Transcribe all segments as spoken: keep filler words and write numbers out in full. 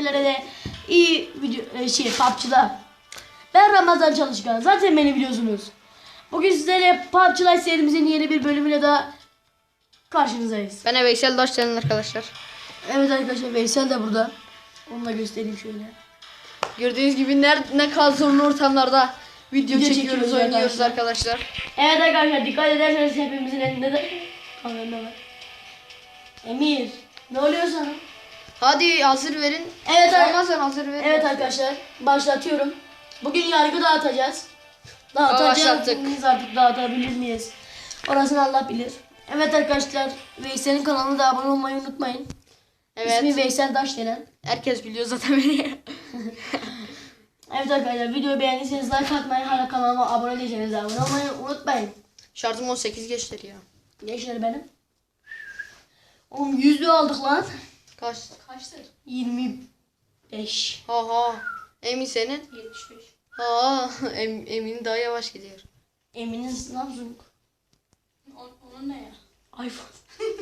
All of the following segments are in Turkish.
Sizlere de iyi video e, şey P U B G'lar. Ben Ramazan Çalışkan. Zaten beni biliyorsunuz. Bugün sizlerle P U B G Lite serimizin yeni bir bölümüyle daha karşınızdayız. Ben de Veysel Daşcan'ın arkadaşlar. Evet arkadaşlar, Veysel de burada. Onu da göstereyim şöyle. Gördüğünüz gibi ne, ne kadar zorlu ortamlarda video, Video çekiyoruz, çekiyoruz oynuyoruz arkadaşlar. arkadaşlar. Evet arkadaşlar, dikkat ederseniz hepimizin elinde de kamera var. Emir, ne oluyor sana? Hadi hazır verin. Evet, ar- Ramazan hazır verin. evet arkadaşlar, başlatıyorum. Bugün yargı dağıtacağız. Dağıtacağız. Biz artık dağıtabilir miyiz? Orasını Allah bilir. Evet arkadaşlar, Veysel'in kanalına da abone olmayı unutmayın. Evet. İsmi Veysel Daşdelen. Herkes biliyor zaten beni. Evet arkadaşlar, videoyu beğendiyseniz like atmayı, hala kanalıma abone değilseniz abone olmayı unutmayın. Şartım on sekiz geçtir ya. Gençler benim. Oğlum yüzlü aldık lan. Kaç? Kaçtır? yirmi beş. Ha ha. Emin senin? yetmiş beş. Ha em, Emin daha yavaş gidiyor. Emin'in Samsung. O, onun ne ya? iPhone.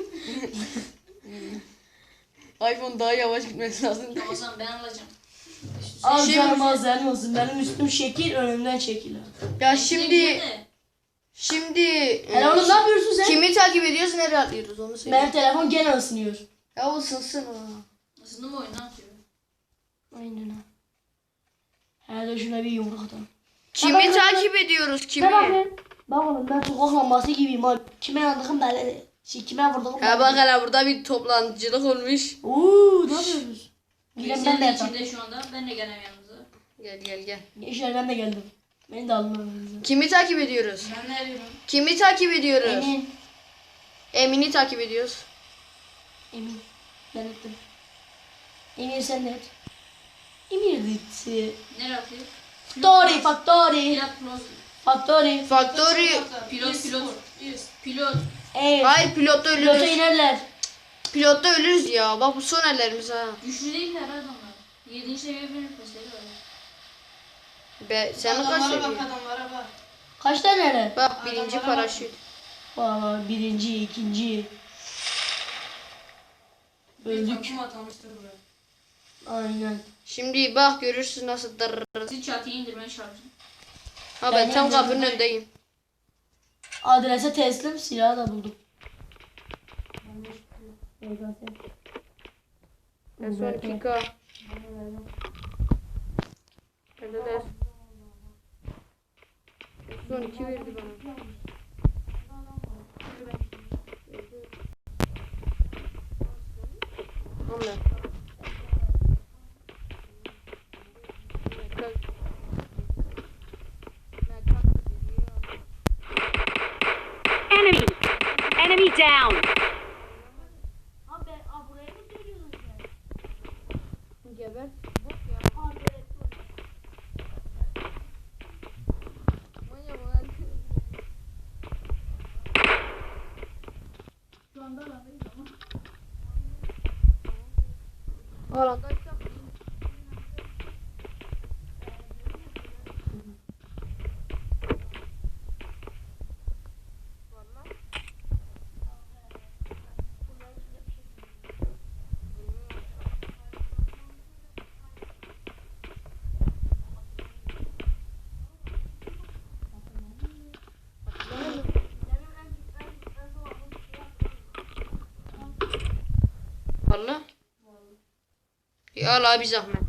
iPhone daha yavaş gitmesi lazım. O zaman ben alacağım. Alacağım azem olsun. Benim üstüm şekil, önümden şekil. Ya şimdi Ne? şimdi Hele oğlum ne yapıyorsun sen? kimi takip ediyoruz, nereye atlıyoruz onu söyle. Benim telefon gene ısınıyor. Ya ısınsın o. Aslında mı oyun ne yapıyor? Aynen ha. Hele şuna bir yumruk atalım. Kimi Bak, bak, takip ediyoruz kimi? Ne bakın? Bak oğlum, ben sokak lambası gibiyim oğlum. Kime yandığım belli değil. Şey, kime vurdum Ya bak hele burada bir toplantıcılık olmuş. Uuu, ne yapıyorsunuz? Gidelim, ben Sen de de yatam. içinde şu anda. Ben de gelem yanınıza. Gel gel gel. Gençler, ben de geldim. Beni de alın aranıza. Kimi takip ediyoruz? Ben ne arıyorum? Kimi takip ediyoruz? Emin. Emin'i takip ediyoruz. Emin. Ben ettim. Emir sen de et. Emir gitti. Nereye atıyor? Factory, factory. Pilot plus. Factory. Factory. Pilot pilot. Pilot. Evet. Hayır pilotta Pilota ölürüz. inerler. Pilotta ölürüz ya. Bak bu son ellerimiz ha. Güçlü değiller adamlar. Yedinci seviye bir nefesleri var. Be senin kaç seviye? adamlara bak. Kaç tane? Bak birinci Adamlara bak. paraşüt. Valla birinci, ikinci. Öldük. Takım atılmıştır buraya. Aynen. Şimdi bak görürsün nasıl dırırır. Siz çatıyı indirmeye çalışın. Ha Ben ben tam indirdim. kapının önündeyim. Adrese teslim, silahı da buldum. Ben sonra pika. Nerede de? Son iki verdi bana. Onlar. Enemy! Enemy down! Abi, abi buraya mı geliyorsun sen? Geber. Şu anda alandayız ama. Alandaysak. Valla. Ya Allah bir zahmet.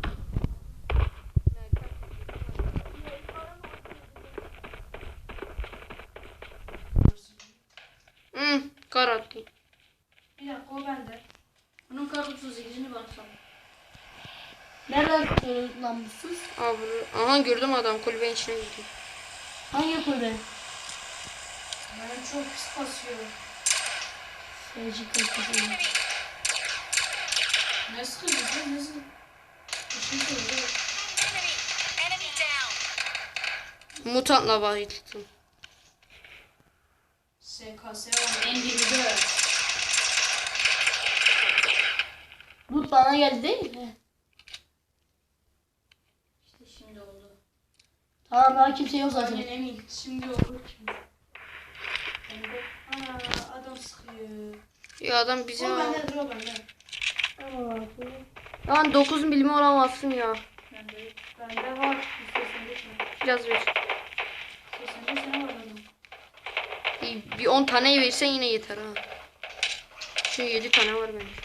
Hmm, kar attı. Bir dakika o bende. Onun kar otuz sekizini bana sal. Nereden tutuyoruz namussuz? Abi, aha gördüm adam kulübenin içine girdi. Hangi kulübe? Ben çok pis basıyorum. Seyirci kalitesi. Ne sıkıntı sen nasıl? Işın söylüyor. Mutantla bayıldım. S K S var. En dibi de. Loot bana geldi değil mi? İşte şimdi oldu. Tamam, daha kimse yok zaten. Aynen emin. Şimdi oldu. Ana adam sıkıyor. Ya adam bizim O bende dur o bende. Tamam abi. Lan dokuz milimi olamazsın ya. Bende, bende var. yüz seksen beş mi? Biraz ver. seksen beş tane var benim. İyi, bir on tane versen yine yeter ha. Şu yedi tane var benim.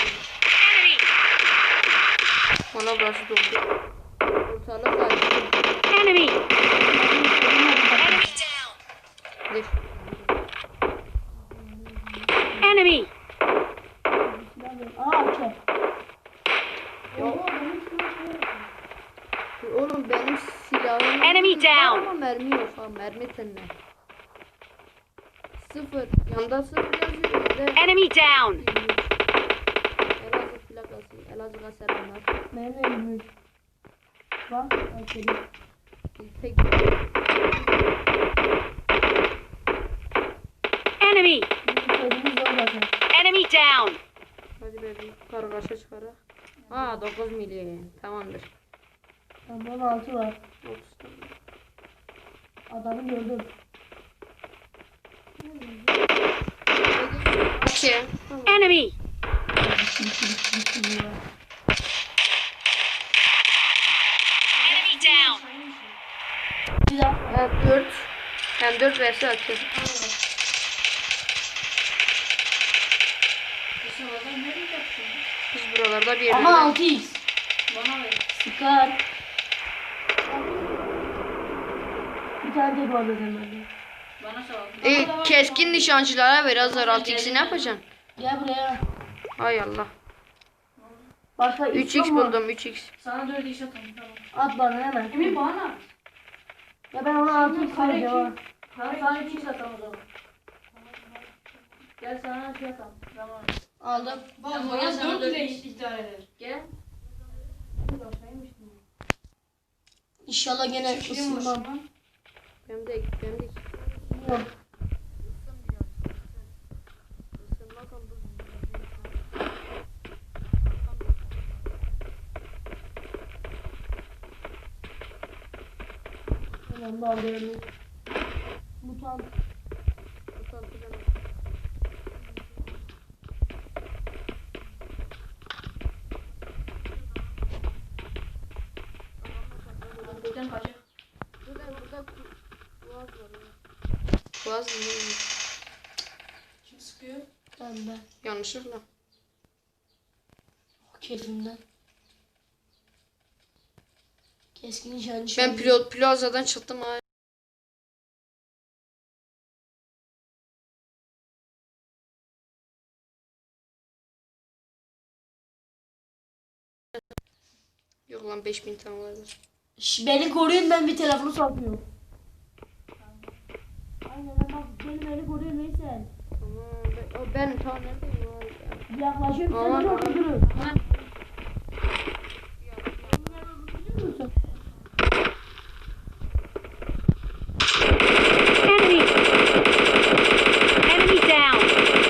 Valla burası doldu. Ortalık var. Enemy! Dur. Enemy! Aa okey. Oğlum benim silahım Enemy var down. ama mermi yok ha. Mermi tenne. Sıfır. Yanda sıfır yazıyor. Bir de Enemy down! Elazığ plakası. Elazığ'a selamlar. Benim de yirmi üç. Bak okey. Tek Enemy! Bizim zor zaten. Enemy down! hadi be bir kargaşa çıkara. Ha dokuz milyon. Tamamdır. Tamam on altı var. otuz tane. Adamı gördüm. İki. Tamam. Enemy! Enemy down! Bir daha. Evet dört. Hem dört verse atıyor. Bu sırada ne yapacaksın? Biz buralarda bir Ama yerlerde. altı x. Bana ver. Sıkar. Bir tane de bu arada bende. Bana sor. E, keskin nişancılara ver Azar altı x'i ne yapacaksın? Gel buraya. Hay Allah. Başka üç yok x mu? buldum üç x. Sana dört iş atalım tamam. At bana hemen. Emin bana. Ya ben ona altı x Kare vereceğim kim? ha. Kare sana üç iş atalım o zaman. Gel sana şey atalım. Tamam. Aldım. Bak bana dört ile idare eder. Gel. İnşallah gene ısınmam. Benim de benim de Yok. Hemen bağlayalım. Mutant. Buradan kaçak. Burada burada boğaz var ya. Boğaz mı? Kim sıkıyor? Ben ben. Yanlışlıkla. Keyfimden. Keskin nişancı. Ben pilot plazadan çıktım ha. Yok lan beş bin tane vardır. Şş, beni koruyun, ben bir telefonu satmıyorum. Aynen bak beni beni koruyun Veysel. Tamam ben, o ben tamam neredeyim var ya. Yaklaşıyorum sen Aman, beni aman. öldürün. Enemy! Enemy down!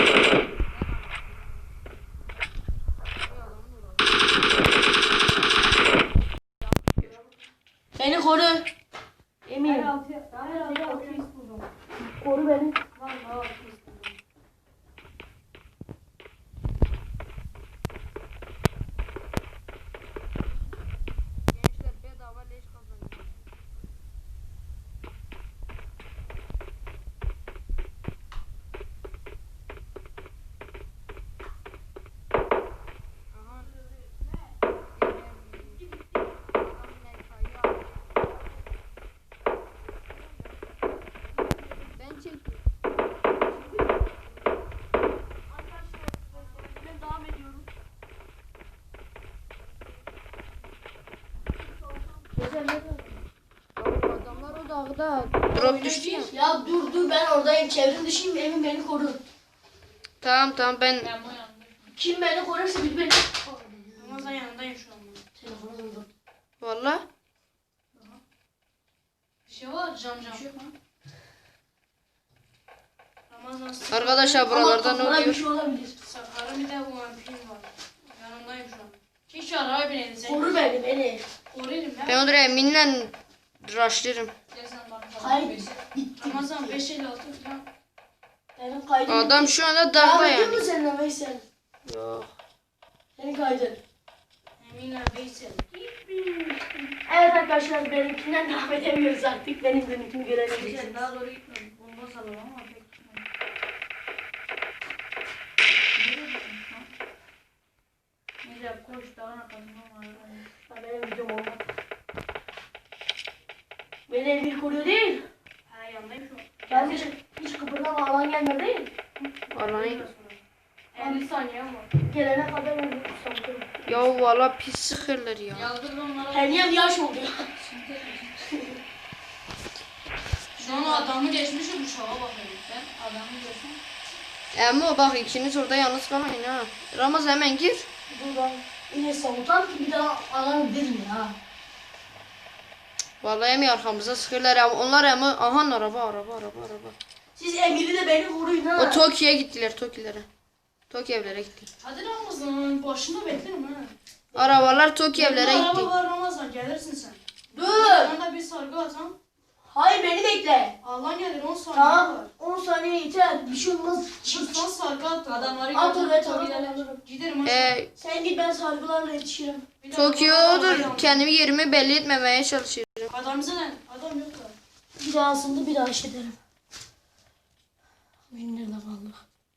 Beni koru. Emin. Her altı, her altı altı iş buldum. Koru beni. Vallahi altı iş buldum. Gençler bedava leş kazanıyor. Ben çekiyorum. Ben devam ediyorum. Adamlar o dağda drop düştü ya. Ya dur dur, ben oradayım. Çevrim dışıyım. Emin beni koru. Tamam tamam ben Ben bu yanındayım. Kim beni korursa bir beni. Ramazan yanındayım şu an. Telefonu buldum. valla Bir şey var cam cam. Bir şey yok lan. Ramazan sıkı. arkadaşlar buralarda ne Ama kafana bir oluyor? şey olabilir. Sakarım bir de bu vampir var. Yanındayım şu an. Keşke araya bineydin sen. Koru beni beni. Koruyayım ya. Ben oraya eminle rushlarım. Gel sen bana. Hayır. Ramazan beş elli altı falan. Benim kaydım. Adam şu anda Devam dağda ediyor yani. mu seninle Veysel? Yok. Senin kaydın. Emine Veysel. Evet arkadaşlar benimkinden devam edemiyoruz artık. Benim benimkini görebiliriz. Veysel daha doğru gitmedi. Bomba sallam ama pek gitmedi. Nereye gittin lan? Neyse koş dağın arkasından var. Ha, benim videom olmadı. Beni Emir koruyor değil. Ha yanındayım şu an. Ben hiç, hiç kıpırdama alan gelmiyor değil. Vallahi. elli saniye ama. Gelene kadar ben bir tutamıyorum. Ya valla pis sıkırlar ya. Yazdır onlara. Her yaş oldu ya. Şu an o adamı geçmişim bu şova bakıyorum. Ben adamı geçmişim. Ama bak ikiniz orada yalnız kalmayın ha. Ramaz hemen gir. Buradan yine savutan ki bir daha alan verin ya. Vallahi hem arkamıza sıkırlar ama onlar ama aha araba araba araba araba. Siz Emir'i de beni koruyun ha. O Tokyo'ya gittiler Tokyo'lara. Tokyo evlere gitti. Hadi Ramazan başında beklerim ha. Arabalar Tokyo evlere Araba gitti. var Ramazan gelirsin sen. Dur. Bana da bir sargı atam. Hayır beni bekle. Allah gelir on saniye Tamam. var. on saniye yeter. Bir şey olmaz. Çıksan sargı at. Adamları At götür, oraya tabii tamam gidelim. alırım. Giderim aşağı. Ee, Sen git ben sargılarla yetişirim. Bir dakika, Tokyo'dur. adam- Kendimi yerimi belli etmemeye çalışıyorum. Adam bize ne? Adam yok da. Bir daha aslında bir daha şey derim. Benim nerede kaldı?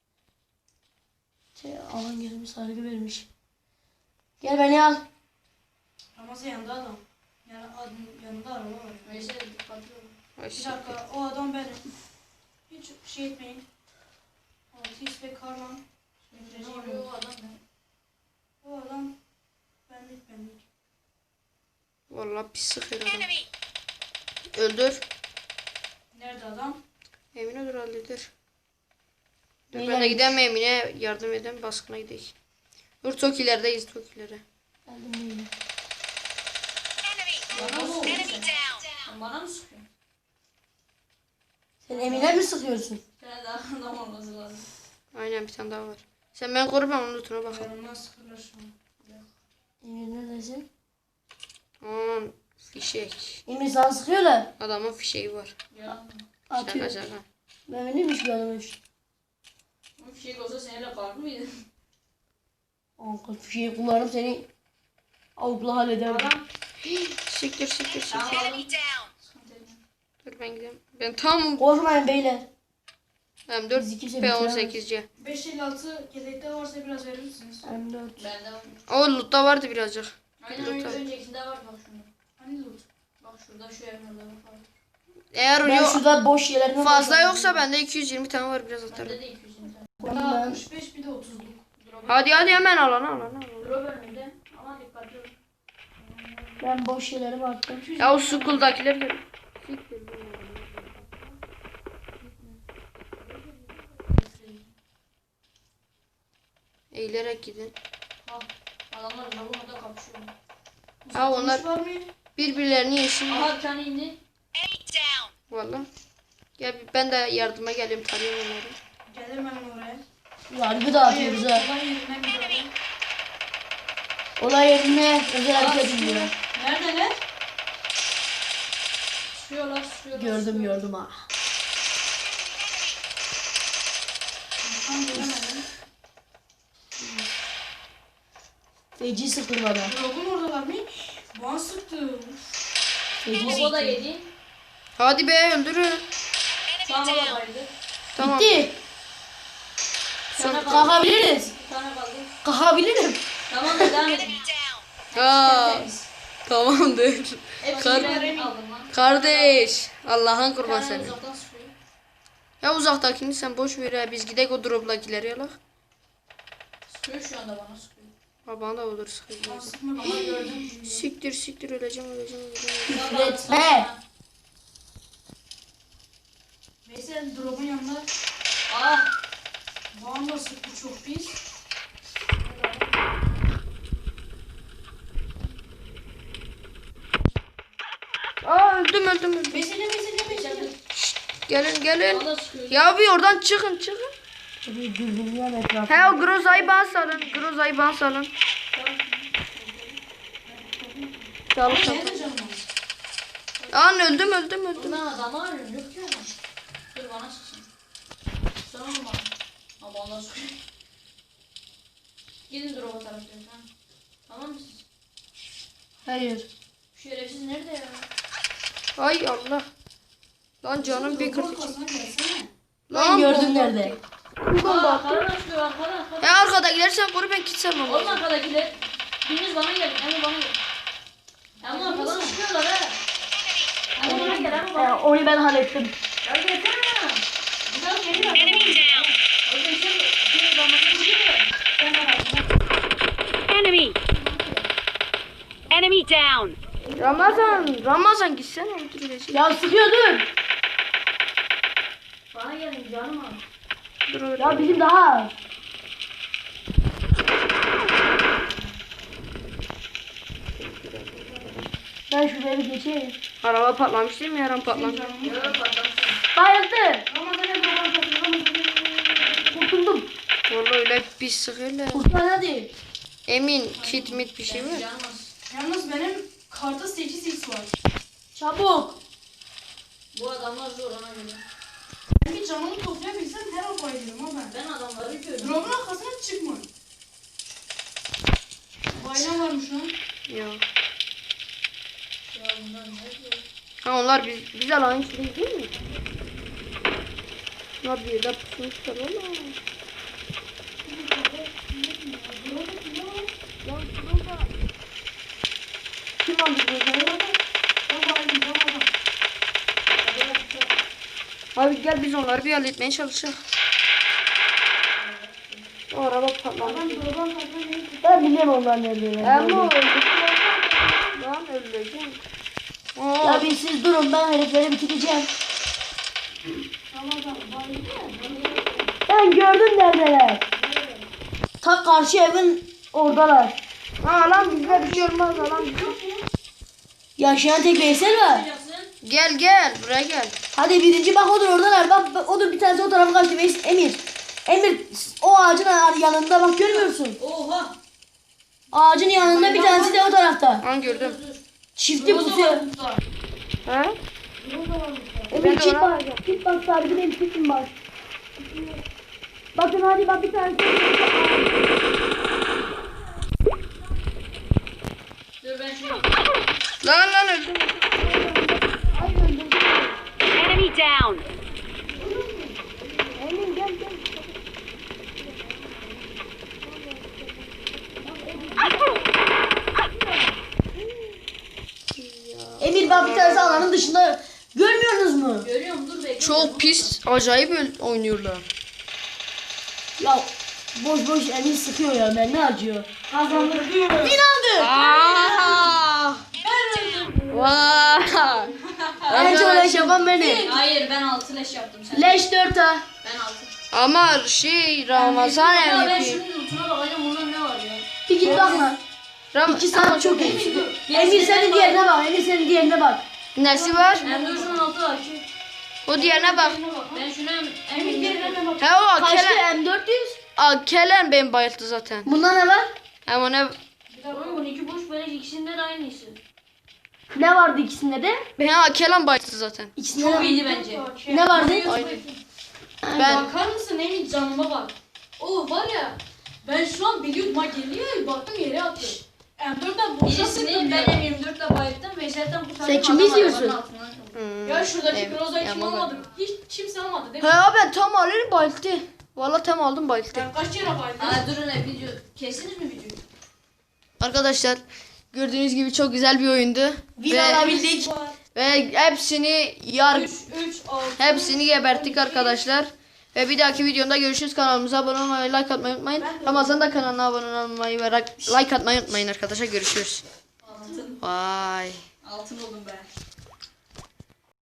Şey, alan gelmiş sargı vermiş. Gel beni al. Ramazan yanında adam. Yani adam, yanında araba var. Neyse dikkatli olun. Ay, Bir siktir. dakika o adam benim. Hiç şey etmeyin. Altis ve Karman. Ne oluyor o adam ne? O adam benlik benlik. Vallahi pis sıkıyor adam. Öldür. Nerede adam? Emine dur halleder. Dur Neyle ben de git? gideyim Emine yardım edeyim baskına gidelim. Dur Tokilerdeyiz Tokilere. Geldim yine. Bana mı oldu sen? Sen bana mı sıkıyorsun? Sen Emine mi sıkıyorsun? Sen daha adam olması lazım. Aynen bir tane daha var. Sen ben koru ben onun lootuna bakalım. Yanımdan sıkırlar şu an. Emir neredesin? Aman fişek. Emir sana sıkıyorlar. Adamın fişeği var. Yalan mı? Atıyor. Şaka şaka. Ben neymiş bir adammış. Bu fişek olsa seninle kalır mıydı? Ankal fişeği kullanıp seni avukla hallederim. Adam. Siktir siktir siktir. Tamam aldım. Sıkıntı yok. Dur ben gideyim. Ben tam Korkmayın beyler. M dört Bizi kimse P on sekiz C. beş elli altı yedekte varsa biraz verir misiniz? M dört. Bende var. O lootta vardı birazcık. Aynen Loot öyle al. öncekinde var bak şunda. Hani loot? Bak şurada şu evin orada bak. Eğer Ben yok şurada boş yerlerine fazla bakıyorum. yoksa bende iki yüz yirmi tane var biraz atarım. Bende de iki yüz yirmi tane. Tamam, Bunda ben- altmış beş bir de otuzluk. Drop, Hadi hadi hemen alana alana. alana. drop önünde ama dikkatli olun. Ben boş yerlere baktım. Ya o school'dakiler gel. Siktir. Eğilerek gidin. Bak adamlar drop'un orada kapışıyor. Ha, onlar- Uzatılmış var mı? Birbirlerini yesin. Aha bir tane indi. Valla. Gel ben de yardıma geleyim tarayayım onları. Gelirim hemen oraya. Yargı dağıtıyoruz ha. Olay yerinden bir drop. Olay yerine özel Aa, hareket sıkıyor. ediyor. Neredeler? Sıkıyorlar sıkıyorlar. Gördüm sıkıyorlar. gördüm ha. Tam göremedim. Feci sıkıldı bana. Drop'un oradalar mı? Bana sıktı. Feci Baba da sıktı. yedi. Hadi be öldürün. Tamam baba da yedi. Tamam. Bitti. Bir tane kaldı. Kalkabiliriz. Bir tane kaldı. Kalkabilirim. Tamam da devam edin. Aa, tamamdır. Hepsini Kar- ben aldım lan. Kardeş. Allah'ın Bir kurban tane seni. uzaktan sıkıyor. Ya uzaktakini sen boş ver ya. Biz gidek o drop'dakileri yalak. Sıkıyor şu anda bana sıkıyor. Baban da olur sıkıntı. Bana sıkma baba gördüm. Siktir siktir öleceğim öleceğim öleceğim. Baba, Üretme. sana. Veysel drop'un yanında. Ah. Bana da sıktı çok pis. Aa öldüm öldüm öldüm. Veysel'e Veysel'e Veysel'e. Gelin gelin. Bana da sıkıyor. Ya bir oradan çıkın çıkın. Bir dürbünlüyorum etrafı. He o Groza'yı bana salın. Groza'yı bana salın. Çalış Senin de canım var. An öldüm öldüm öldüm. Ben adamı arıyorum yok ki adam. Dur bana sıksın. Sana mı bana? Ha bana sıkıyor. Gidin drop'a taraftan tamam. Tamam mı siz? Hayır. Şerefsiz nerede ya? Ay Allah. Lan canım bir kırk. Kafasına gelsene. Ben gördüm nerede. Aa, arkadan açıyor arkadan arkadan. Ya arkadakiler sen koru ben gitsem ama. Oğlum arkadakiler. Biriniz bana gelin. Hemen bana gelin. Ama arkadan çıkıyorlar ha. Hemen bana gel hemen bana. Ee, onu ben hallettim. Ya gelsene ya. Güzel geliyor. Enemy down. O yüzden şey şey zamanında gidiyor. Sen bana bak. Enemy. Enemy down. Ramazan, Ramazan gitsene öldürülecek. Ya sıkıyordun. Bana gelin canım abi. Dur öyle. Ya bizim daha az. Ben şuraya bir geçeyim. Araba patlamış değil mi? Yaran patlamış. Yok patlamışsın. Bayıldı. Ramazan hep Ramazan. Kurtuldum. Vallahi öyle bir sıkıyla. Kurtar hadi. Emin kit mit bir şey var. Yalnız, yalnız benim kartta sekiz x var. Çabuk. Bu adamlar zor ona göre. Ben bir canımı toplayabilsem her an bayılırım ama ben. Ben adamları görüyorum. Drop'un arkasına çıkma. Bayram varmış lan. Ya. Ya bunlar ne diyor? Ha onlar biz, biz alan içinde değil mi? Ya bir de pusmuşlar oğlum. Kim aldı bunu? Abi gel biz onları bir halletmeye çalışalım. O araba patlamış. Ben biliyorum onlar nerede. Ama öldük. Lan öleceğim. Oo. Ya bir siz durun ben herifleri bitireceğim. Ben gördüm neredeler. Ta karşı evin oradalar. Ha lan bizde bir şey olmaz lan bizde. Yaşayan tek Veysel var. Gel gel buraya gel. Hadi birinci bak odur oradalar. Bak, bak odur bir tanesi o tarafa kaçtı. Veys Emir. Emir o ağacın yanında bak görmüyor musun? Oha. Ağacın yanında bir tanesi de o tarafta. An gördüm. Çifti pusuyor. Ha? Emir Ben de çift ona bak. Çift bak sahibi benim çiftim bak. Bakın hadi bak bir tanesi. Dur ben şunu. Lan lan öldüm. Enemy down. Emir gel gel. Emir bak bir tanesi alanın dışında. Görmüyorsunuz mu? Görüyorum dur bekle. Çok pis acayip öl- oynuyorlar. Ya boş boş Emir sıkıyor ya ben ne acıyor. Kazandık. Bin aldı. Aa! Vay! En çok leş yapan benim. Hayır ben altı leş yaptım sen. Leş dört ha. Ben altı. Ama şey Ramazan Ya ben M V P. şunun lootuna bakacağım bunda ne var ya. Bir git bak lan. Ram İki saat çok iyi. Emir senin diğerine bak. Emir senin diğerine bak. Nesi var? Ben dur şunun altı var. Şu- O diğerine bak. Ben şuna emin diğerine bak. He o Kaçtı Akelen. M dört yüz? Akelen ben bayılttı zaten. Bunda ne var? Ama ne? Oğlum bununki boş böyle ikisinde de aynısı. Ne vardı ikisinde de? Ben Akelen bayılttı zaten. İkisinde Çok de iyiydi bence. ne vardı? Aynen. Ben Bakar mısın Emin canıma bak. O var ya ben şu an biliyordum ha geliyor baktım yere atıyor. M dörtten boşa Birisini ben M yirmi dörtle bayılttım Veysel'den kurtardım. Sen kimi adam izliyorsun? arabanın altından. Hmm. Ya şuradaki Evet, Groza'yı kim yapma almadı? Hiç kimse almadı değil He mi? ya ben tam alırım bayılttı. Valla tam aldım bayılttı. Ben kaç kere bayıldım? Aa durun ne video. Kestiniz mi videoyu? Arkadaşlar gördüğünüz gibi çok güzel bir oyundu. Win Ve, alabildik. ve hepsini yar üç, üç, altı. hepsini geberttik arkadaşlar. Ve bir dahaki videomda görüşürüz. Kanalımıza abone olmayı, like atmayı unutmayın. Ramazan da kanalına abone olmayı ve like atmayı unutmayın arkadaşlar. Görüşürüz. Altın. Vay. Altın oldum ben.